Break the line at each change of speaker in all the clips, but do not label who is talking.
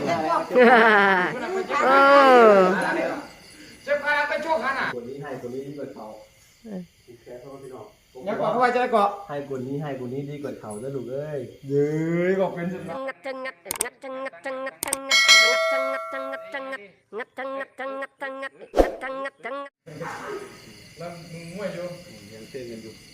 เออ
เจ็บขาไปโชคขาน่ะ
คนนี้ให้คนนี้ดีกว่าเขาแค่เขาพี่น้อง
อย่าเกาะเข้าไปจะเกาะ
ให้คนนี้ดีกว่าเขาจะลูกเอ้ย
เย้ยบอกเป็นสิ
งัดจังงัดงัดจังงัดจังงัดจังงัดงัดจังงัดจังงัดงัดจังงัดจังงัดจังงัดจังงัดจังงัด
แล้วมึงมวยอยู่
ยังเต้นกันอยู่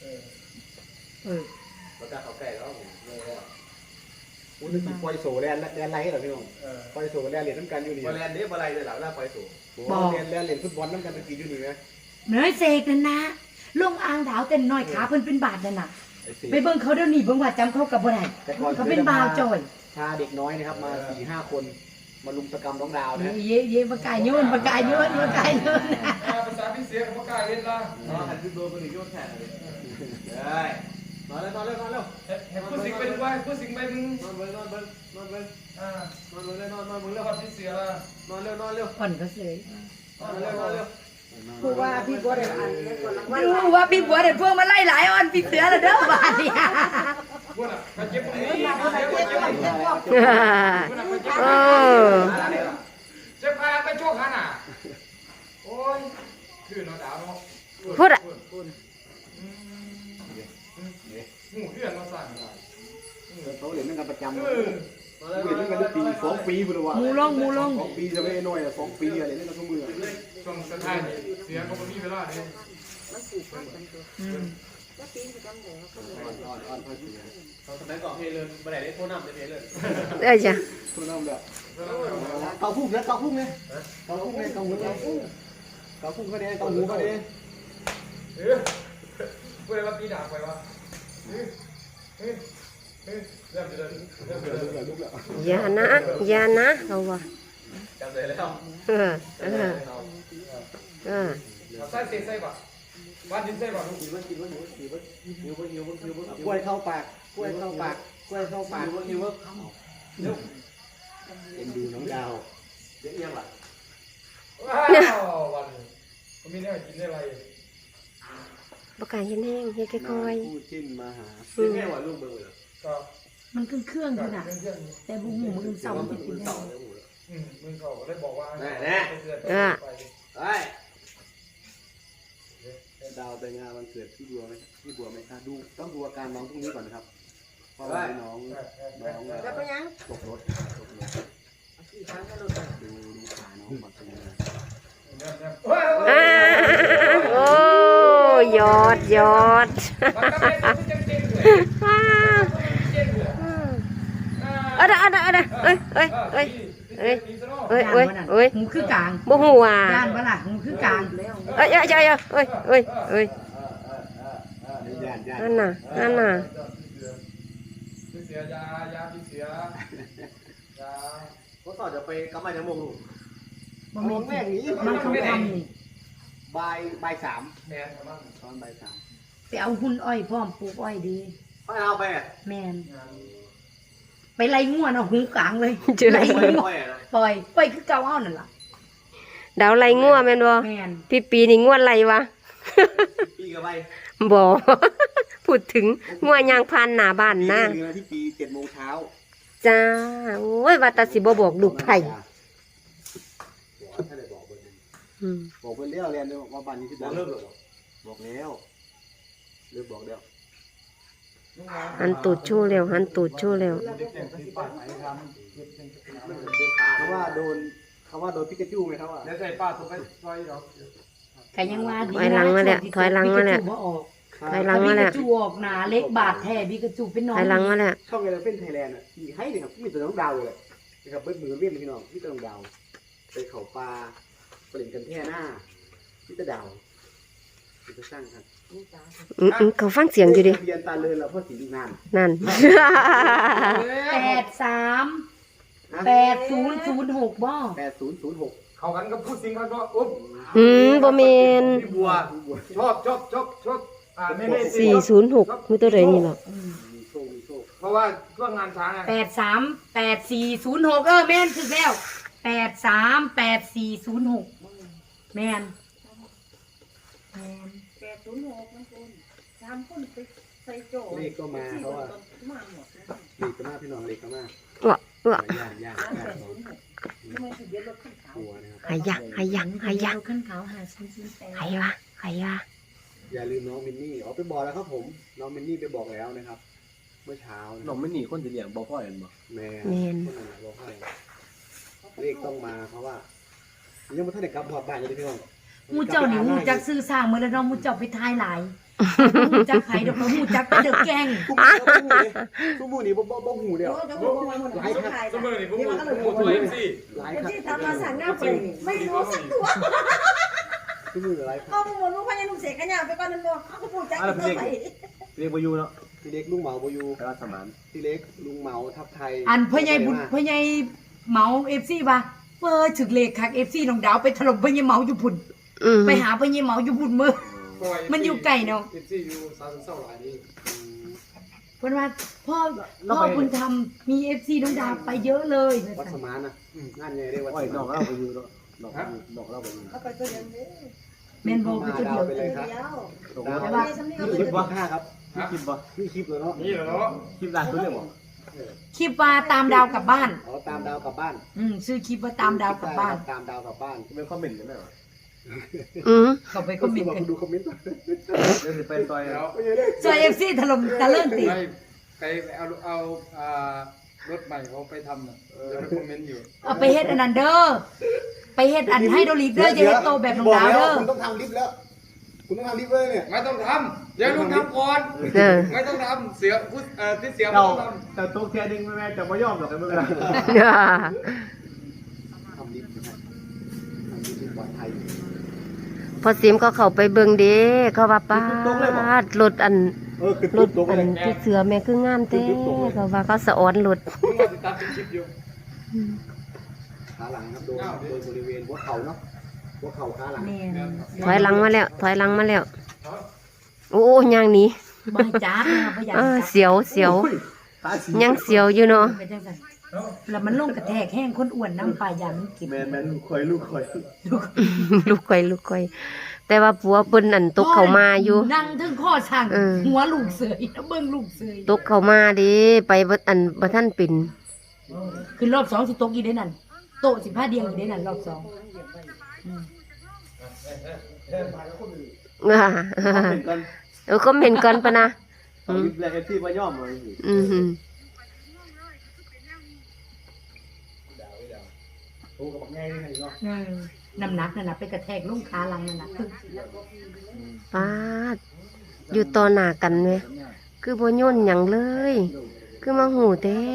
แล้วก็เขาแก่แล้วอุ้ยนี่ปล่อยโซ่แลนไรเหรอพี่น้องปล่อยโซ่แลนเหรียญน้ำกันอยู่นี่แลนนี้อะไรเลยหล่ะหน้าปล่อยโซ่แลนเหรียญฟุตบอลน้ำกันเป็นกี่อยู่นี่ไหม
เนื้อเสกนั่นนะลงอ่างดาวเต้นน้อยขาเพิ่นเป็นบาทนั่นน่ะไปเบิ่งเขาเดี๋ยวนี้เบิ่งว่าจำเขากับบ่ได้เขาเป็นบ่าวจอย
พาเด็กน้อยนะครับมา 4-5 คนมาลุมตะกรรมน้องดาวนะ
เย่ประกายโยนประกายโยนประกายโยน
ภาษาพิเศษของประกายเล่นละ
หันขึ้นโดนคนอื่นโยนแทนเลยได้นอนเร็ว
ผู้สิงไปด้วยผู้สิงไปมึง
นอนเบิ้งนอนเบิ้ง
นอนเร็วพี่เสียละ
นอนเร็ว
ผ่อนก็เสย
นอนเร็ว
ผู้ว่าพี่บัวเด็ดอันดูว่าพี่บัวเด็ดพวกมาไล่หลายอ่อนพี่เสือละเด้อบาดเนี่ย
บัวน่ะไปเจ็บตรงนี้เจ็บขาไปโชคขาน่ะโอ้ยคือน้องดาวเนาะ
พูดอ่ะ
หูเพื่อนมาสั่ง
เขาเรียนนั่งกันประจำเรียนนั่งกันปี2 ปีพุ่นวะ
มูลง
2 ปีจะไม่น้อย2 ปีอะไรนั่นก็ทุกมือ
ช่วงสุดท้ายเสียก็มีเวลาเลย
มันผูกพันกันตัวแล้วปีนไปจำเลย
เขาสมัยก่อนเพลเลยมาไหนได้โทษน้ำได้เพลเลย
จ้ะ
โทษน้ำแบบเกาพุ่งเนี่ยเกาพุ่งเนี่ยเกาพุ่งเนี่ยเกาหูก็ได้เกาหูก็ได้
พูดอะไรว่าปีด่าไปวะ
อย่านะเราว่ะ
จำเลยแล้ว
ใส่ใส่ป่ะบ้านดินใส่ป่ะ
กินกล้วยเข้าปากหิวเอ็นดูน้องดาวเยอะแยะว่ะ
ว้าววันนี้มีแน่กินได้อะไร
ประกาศยันแห้งเฮ็ดค่อย
ๆคู่จิ้นมาหาแม่ว่าลูกเบอร์
มันเครื่องอยู่น่ะแต่บุ้งหมูมึงเสามันเป็นได้
มึงเขาได้บอกว่า
ดาวไปงานวันเกิดพี่บัวไหมดูต้องดูอาการน้องพรุ่งนี้ก่อนนะครับเพราะว่าน้อง
จะไปยัง
ตกรถ
กี่ครั้งก็รถ
ดูขาน้องแบบนี้
โอ้ยอด
หมูคือกลาง
บ่ฮู้ว่า
ย่านบ่ล่ะหมูคือกลาง
นั่นน่ะ
พี่เสียยาพี่เสียยา
เขาต่อจะไปกำไรจะมงลูก
บ่มีแม่นี้มันคำนี่
บ่าย 3
แม่นมั้ง
ตอนบ่าย 3
ไปเอาหุ่นอ้อยพร้อมปลูกอ้อยดี
เอาไป
แม่นไปไล่งัวเนาะหูกลางเลย
ไล่งัว
ปล่อยคือเก่าเอานั่นล่ะ
ดาวไล่งัวแม่นบ่พี่ปีนี่งัวไล่วะ
ปีกับใบ
บ่พูดถึงงัวยางพันหน้าบ้านนะ
ที่ปี7 โมงเช้า
จ้าโอ้ยว่าตาสิบ่บอกลูกไผ
บอกเพิ่นแล้วเรียนว่าบ้านนี้ที่เริ่มบอกแล้วเริ่มบอกแล้ว
หันตูดชู้แล้ว
เขาว่าโดนปิกาจูไหมครับ
เดี๋ยวใส่ป้าถูกไปซอยดอก
ใครยังว่าดี
ถอยหลังมาแล้วถอยหลังมาแล้ว
จูออกหนาเล็กบาดแท้บิกาจูเป็นน้อง
ถอยหลังมาแล้ว
ช่องอะไรเป็นไทยแลนด์มีให้เลยครับมีแต่น้องดาวเลยนะครับเบิ้ลมือเวียนพี่น้องพี่น้องดาวไปเขาปลาเปลี่ยนกันแท่หน้าพี่ตะดาวจะสร้างครับ
เขาฟังเสียงอยู่ดิ
เรียนตาเลยแล้วพ่อสี
นั่น
8006บ่
8006
เขากันก็พูดสิงกันว่า
บ่แม่น
พี่บัวชอบ
406มื้อตัวใดนี่ล่ะ
เพราะว่าช่วงงานช้าง
838406แม่นคือแล้ว838406แม่น
806มันคน3 คนไปใส่โจ
เลขก็มาเพราะว่าเลขก็มาพี่น้องเลขก็มาย่าง
ทำไมถึงเย็นรถขึ้นเขา
หัวนะครับ
หายะหายะหายะ
ขึ้นเขาหาซื้อแต่
หายวะหายะ
อย่าลืมน้องมินนี่ไปบอกแล้วครับผมน้องมินนี่ไปบอกแล้วนะครับ เมื่อเช้านะ
น้องไม่หนีคนจะเลี้ยงบ่พ่อเห็นบ่
แม่
เมน
คนนั้นบอกให้เลขต้องมาเพราะว่ายังไม่ทันได้กลับพอดบ้านเลยพี่น้อง
หมูเจ้านี่หมูจักซื้อสร้างมื้อแล้วน้องหมูเจ้าไปทายหลายหมูจักไผดอกหมูจักไปเด้อแกง
ทุกมือนี่บ่หูเดียว
เดี๋ยวผมหมดหลายครับ
สมมตินี่ผมตัวเองสิ
หลาย
เป็น
ครับ
ที่ตามมาสั่งหน้าเปิดไม่รู้สักตัว
ทุกมือหลายครับ
เอาหมดลูกพญานุ่มเสกขยะไปก่อนนั่นบ่เขาก็พูดจักตัวไป
เรียกบ่อยู่เนาะ
พี่เล็กลุงเหมาบอยู
ไปรัสมาน
พี่เล็กลุงเหมาทับไทย
อันพ่อใหญ่บุญพ่อใหญ่เหมา FC ว่าเปิดถึกเลขคัก FC น้องดาวไปถล่มพ่อใหญ่เหมาอยู่พุ่น
อืม
ไปหาพ่อใหญ่เหมาอยู่พุ่นมื้อมันอยู่ไกลเนาะ
เอฟซีอยู่ซาซึนเศร้าหลายนี่
เพิ่นว่าพ่อบุญธรรมมี FC น้องดาวไปเยอะเลย
วัดสมานนะงานใหญ่ได้วัด
โอ้ย
ส
น้อง
มาน
เราบ่อยู่เนาะน้องเราบ่อยู่
เอาไปตัวเดียวนี้
แม่นบ่คือตัวเดียว
ไปเลยครับ
เดียว
ตก
ดา
แล้ว ว
ว่า
สำเนียง
นี่คลิปว่า5ครับ
มีคลิปบ่
นี่คลิปเลยเนาะ
นี่เหรอ
คลิปล่าสุดเลยบ่
คลิปว่าตามดาวกลับบ้าน
อ๋อตามดาวกลับบ้าน
ชื่อคลิปว่าตามดาวกลับบ้าน
ตามดาวกลับบ้าน
เป็นคอมเมนต์กันได้บ่
อืม
เข้าไปคอมเมนต์กัน
ดูคอมเมนต์
เดี๋ยวสิไปซอย
แล้ว
ซอย FC ถล่มตะเลิ่นติ
ไปเอารถใหม่เขาไปทำน่ะจะไปคอมเมนต์อยู่
เอาไปเฮ็ดอันนั้นเด้อไปเฮ็ดอันให้โดลิกเด้ออย่าเฮ็ดโตแบบน้องดาวเด้อ
คุณต้องทำลิฟต์แล้ว คุณต้องทำลิฟต์เลยเนี่ย
ไม่ต้องทำเดี๋ยวต้องทำก่อน
เออ
ไม่ต้องทำเสือพุทธที่เสือไม่
เจ้า
ต้องท
แต่ตกแค่นึงแม่จะบ่ยอมหรอกไอ้มึงนะ
ทำลิฟต์นะครับทำลิฟต์ที่ปลอดภัย
พอซิมก็เข้าไปเบิ่งเด้เขาว่าป้าดรถอัน
คือ
ร
ตุ๊
ถ
บตก
อั
เล
น
ย
ที่เสือแม่คืองามเต้เขาว่าเขาสะออนรถ
ำมึงมาติดตามเป็นคลิปอยู่
ขาหลังครับโดนบริเวณหัวเข่าเนาะหัวเข่าขาหลัง
แม่น
ถอยหลังมาแล้ว ถอยหลังมาแล้ว โอ้ยางหนี้
บ่ให้จับนะบ่อยาก
เออ
จับ
เสียวเสียว
ตาสี
ยังเสียวอยู่เนาะ
เป็นจังซั่นแล้วมันลงกระแทกแห้งคนอ้วนน้ำปลายามันเก็บ
แม่นลูกคอย
ลูกก่อยลูกก่อยแต่ว่าผัวเปิ้นอันตกเข้ามาอยู่
นั่งถึงข้อช่าง
เออ
หัวลูกเสยแล้วเบิ่งลูกเสย
ตกเข้ามาเดิไปบ่อันบ่ทันเป็น
คือรอบ2สิตกอีได้นั่นโต๊ะสิพาเดียงอีได้นั่นรอบ2
อ่า
เป็นกัน
คอมเมนต์ก่อนปะนะ
คลิปแรกที่บ่ยอมเลย
อือหือ
โอ้กับง่ายเลยเนาะ
น้ำหนักนั่นน่ะไปกระแทกลงขาหลังนั่นน่ะตึ้ง
ป้าดอยู่ต่อหน้ากันเว้ยคือบ่ย่นหยังเลย คือมาหูแท้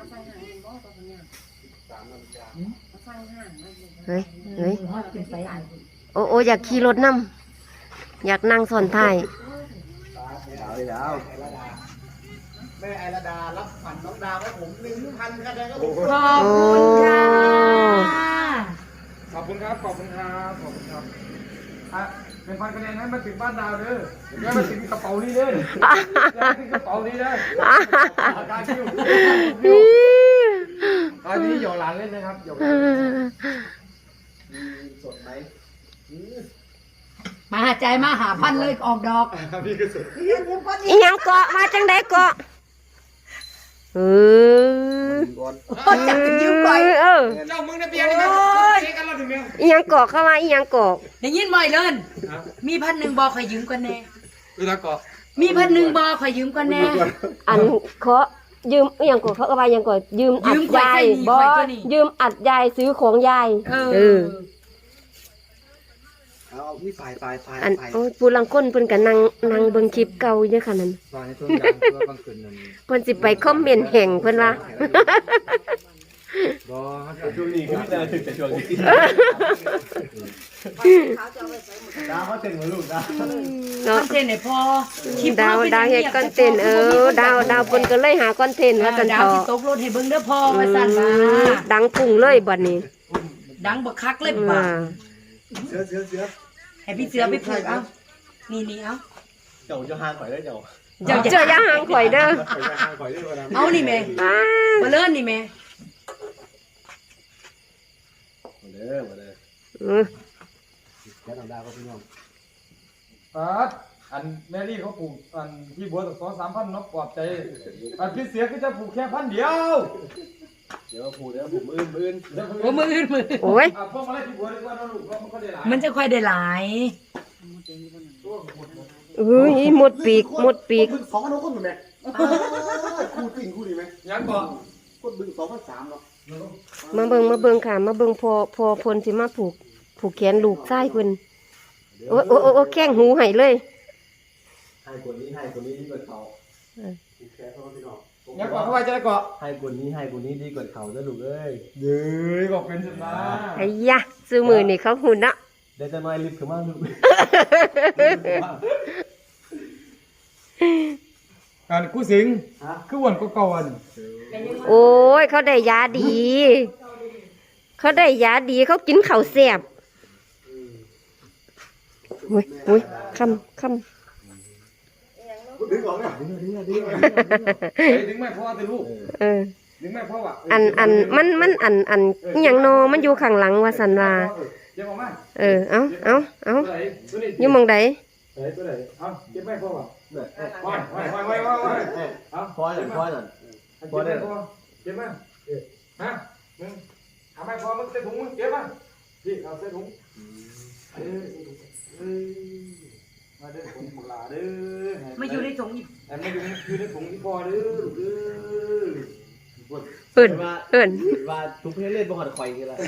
เฮ้ยเฮ้ย
ฮอดขึ้นไปอัน
โอ้อยากขี่รถนำอยากนั่งซ้อนท้าย
ดาว
แม่ไอระดารับขวัญน้องดาวให้ผม 1,000คะแนนครับผม
ขอบคุณค่ะ
ขอบคุณครับขอบคุณครับขอบคุณครับเป็นพันคะแนนให้มาถึงบ้านดาวเด้ออย่ามาถึงกระเป๋านี้เด้ออย่าถึงกระเป๋านี้เด้อการคิวตอนนี้หยอกหลานเล่นนะครับหยอกหลาน
สดไหม
มาหาใจมาหาพันเลยออกดอก
พี่ก็สุด
เรียนเรียนก้อน
อีหยังเกาะมาจังไดเกาะเออ
ก่อน
โอ้จักยืมก่อย
เออ
เจ้ามึงในเบียร์นี่มันเช็คกันเราถึงเมีย
อีหยังเกาะเข้ามาอีหยังเกาะ
ได้ยินบ่อยเลินมี1,000บ่ขอยยืมก่อนแน่
เวลาเกาะ
มี1,000บ่ขอยยืมก่อนแน่
อันเคาะยืมอีหยังเกาะเขาก็ว่าอีหยังเกาะยืมอัดยายบ่ยืมอัดยายซื้อของยาย
เออ
เอานี่ฝ่าย
อันโอ้ยผู้ลังคนเพิ่นก็นั่งเบิ่งคลิปเก่าอยู่ค่ะนั่น
วางในต้นยางเพื่อบางคืนนั่น
เพิ่นสิไปคอมเมนต์แห่งเพิ่นว่า
บ่
ช่วงนี้คือแต่ถึงแต่ช่วงนี้
เขาจะเอาไปใส่หมด
ดาวเขาเต็มหัวลูกดาว
เนาะ
คอนเทนต์ให้พอคลิป
ดาวเฮ็ดคอนเทนต์ดาวเพิ่นก็เลยหาคอนเทนต์ว่าซั่น
ดา
เถ
ว
าะ
สิตกรถให้เบิ่งเด้อพอว่าซั่นว่า
ดังพุ่งเลยบัดนี้
ดังบักคักเลย
ว่า
บ่า
เสือ
ให้พี่เสือไปผูกเอานี่เอา
เจ้าจะห่างข่อยได้เจ้า
เจ้าอย่าห่างข่อยเด้อ
ข่อยด้วยกันนะ
เอานี่แม่
ป้า
มาเลิ่นนี่แม่
มาเด้อมาเด้อ
แล้วน้องดาวก็พี่น้อง
อันแมรี่เขาปลูกอันที่บัวตั้ง2-3 พันนกปลอบใจอันพี่เสียก็จะปลูกแค่1,000 เดียว
เดี๋ยวผูเดี๋ยวผมอื่น
โอ้มืออื่นมือ
โอ้ย
เอาพวกมาไล่ที่บัวดีกว่าเนาะลูกเพราะมันก็ได้หลาย
มันจะค่อยได้หลาย
เอ้ยหมดปีก
บึง2,000คนเหมือนแม่คู่จริงคู่ดีไหม
ยังก่อน
คนบึง2,300เนาะ
มาเบิ่งค่ะ มาเบิ่งพอพลสิมาผูกแขนลูกชายเพิ่นโอ้แข้งหูให้เลย
ให้คนนี้ดีกว่าเขา
แค่เขาพี่น้อง
ยังก่อนเข้าไปจะได้ก่อน
ให้คนนี้ดีกว่าเขานะลูกเอ้ย
เย้ยบอกเป็นสุดนะ
ไอ้ยะซื้อมือนี่เขาหุ่นนะ
ได้จะน้อยลิฟต์ขึ้นมาลูก
การกู้สิงคือวันก็ก่อน
โอ้ยเขาได้ยาดี เขากินข้าวแซ่บอุ้ยคำ
ดึงออกเนี่ย
ดึงแม่พ่อติลูก
เออ
ดึงแม่พ่อว่ะ
มันอหย่างนอมันอยู่ข้างหลังว่าสันว่า
เก็บออกมา
เออเอา
ตัวนี้
อยู่หมองใด
ตัวไหนเอาเก็บแม่พ่อว่ะ
เนี่ย
ไว้เอา
พอหน่อย
เก็บแม่พ่อเก็บแม่ฮะมึงเอาแม่พ่อมึงใส่ถุงมึงเก็บมาพี่เอาใส่ถุงมาเด้อผมบุลาเด้อ
มาอยู่ในถุงอีก
อันนี้อยู่ในถุงที่พ่อเด้อลูกเด้อ
เอิ้น
ว่าทุกเพศเล่นบ่หอดคอยกันละ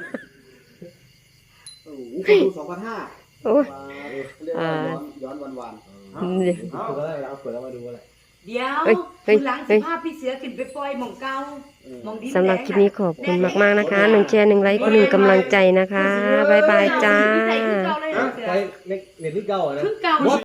โอ้โหคนดู2,500
โอ้ย
เรียกว่าย้อนวัน
นี่
ถูกแล้วเอาเปิดแล้วมาดูอะไร
เดี๋ยว
เฮ้ย
คุณหลังสิพาพี่เสือขึ้นไปปล่อยหม่องเก่าหม่องดิน
สำหรับคลิปนี้ขอบคุณมากๆนะคะ1 แชร์ 1 ไลค์1 กำลังใจนะคะบ๊ายบายจ้า
ใส่คือเก่าเลยเหรอเสือ
ใช้เน็ตที่เก่านะ
คือเก่า